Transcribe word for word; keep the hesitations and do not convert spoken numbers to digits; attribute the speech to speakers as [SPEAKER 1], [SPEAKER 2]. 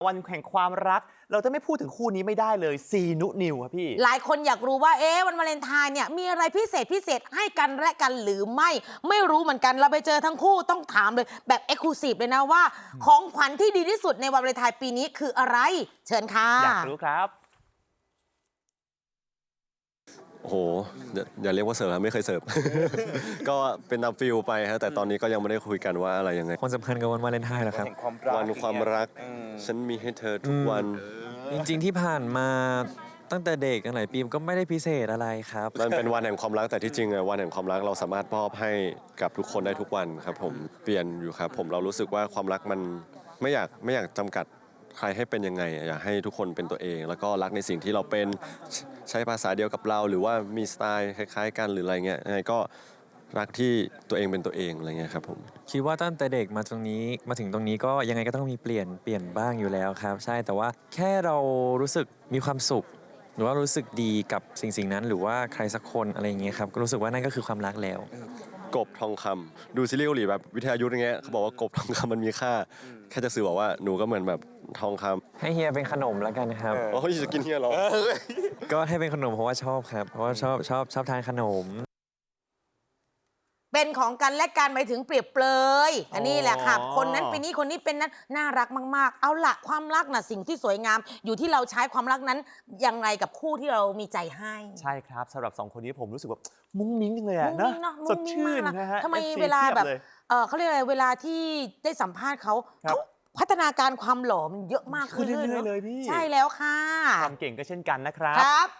[SPEAKER 1] วันแห่งความรักเราจะไม่พูดถึงคู่นี้ไม่ได้เลยซีนุนิวครับพี่
[SPEAKER 2] หลายคนอยากรู้ว่าเอ๊ะวันวาเลนไทน์เนี่ยมีอะไรพิเศษพิเศษให้กันและกันหรือไม่ไม่รู้เหมือนกันเราไปเจอทั้งคู่ต้องถามเลยแบบเอ็กซ์คลูซีฟเลยนะว่าของขวัญที่ดีที่สุดในวันวาเลนไทน์ปีนี้คืออะไรเชิญค่ะ
[SPEAKER 1] อยากรู้ครับ
[SPEAKER 3] โอ้โหอย่าเรียกว่าเสิร์ฟครับไม่เคยเสิร์ฟ ก็เป็นตามฟิลไปฮะแต่ตอนนี้ก็ยังไม่ได้คุยกันว่าอะไรยังไง
[SPEAKER 4] ความสัมพันธ์กับวันวาเลนไทน์เหรอครับ
[SPEAKER 3] วันความรักฉันมีให้เธอทุกวัน
[SPEAKER 4] จริงๆที่ผ่านมาตั้งแต่เด็กตั้งหลายปีก็ไม่ได้พิเศษอะไรครับ
[SPEAKER 3] มันเป็นวันแห่งความรักแต่ที่จริงอะวันแห่งความรักเราสามารถมอบให้กับทุกคนได้ทุกวันครับผมเปลี่ยนอยู่ครับผมเรารู้สึกว่าความรักมันไม่อยากไม่อยากจำกัดใครให้เป็นยังไงอยากให้ทุกคนเป็นตัวเอง แล้วก็รักในสิ่งที่เราเป็นใช้ภาษาเดียวกับเราหรือว่ามีสไตล์คล้ายๆกันหรืออะไรเงี้ยยังไงก็รักที่ตัวเองเป็นตัวเองอะไรเงี้ยครับผม
[SPEAKER 4] คิดว่าตั้งแต่เด็กมาตรงนี้มาถึงตรงนี้ก็ยังไงก็ต้องมีเปลี่ยนเปลี่ยนบ้างอยู่แล้วครับใช่แต่ว่าแค่เรารู้สึกมีความสุขหรือว่ารู้สึกดีกับสิ่งสิ่งนั้นหรือว่าใครสักคนอะไรอย่างเงี้ยครับก็รู้สึกว่านั่นก็คือความรักแล้ว
[SPEAKER 3] กบทองคำดูซีรีส์เกาหลีแบบวิทยายุทธ์อย่างเงี้ยเขาบอกว่ากบทองคำมันมีค่าแค่จะสื่อบอกว่าหนูก็เหมือนแบบทองคำ
[SPEAKER 4] ให้เฮียเป็นขนมแล้วกันครับ
[SPEAKER 3] โอ้ยจะกินเฮียเหรอ
[SPEAKER 4] ก็ให้เป็นขนมเพราะว่าชอบครับเพราะว่าชอบชอบชอบทานขนม
[SPEAKER 2] เป็นของกันและกันไปถึงเปรียบเปรยอันนี้แหละค่ะคนนั้นเป็นนี้คนนี้เป็นนั้นน่ารักมากๆเอาละความรักน่ะสิ่งที่สวยงามอยู่ที่เราใช้ความรักนั้นยังไงกับคู่ที่เรามีใจให้
[SPEAKER 1] ใช่ครับสำหรับสองคนนี้ผมรู้สึกแบบมุ้งมิ้งจังเลยอะ
[SPEAKER 2] มุ้ง
[SPEAKER 1] นะ
[SPEAKER 2] มิ้งเนาะ
[SPEAKER 1] ส
[SPEAKER 2] มุ้
[SPEAKER 1] ด
[SPEAKER 2] งมิ้ง
[SPEAKER 1] ชื่
[SPEAKER 2] มาน กนะ
[SPEAKER 1] นะฮะ
[SPEAKER 2] ทำไม
[SPEAKER 1] อฟซี
[SPEAKER 2] เวลาแบบ
[SPEAKER 1] พียย
[SPEAKER 2] เออเขาเรียกอะไรเวลาที่ได้สัมภาษณ์เขา
[SPEAKER 1] ครับ
[SPEAKER 2] เขาพัฒนาการความหล่อมันเยอะมากขึ้น
[SPEAKER 1] ขึ้นเรื่อยๆ
[SPEAKER 2] เนอะ
[SPEAKER 1] เลยพี่
[SPEAKER 2] ใช่แล้วค่ะ
[SPEAKER 1] ความเก่งก็เช่นกันนะครับ
[SPEAKER 2] ครับ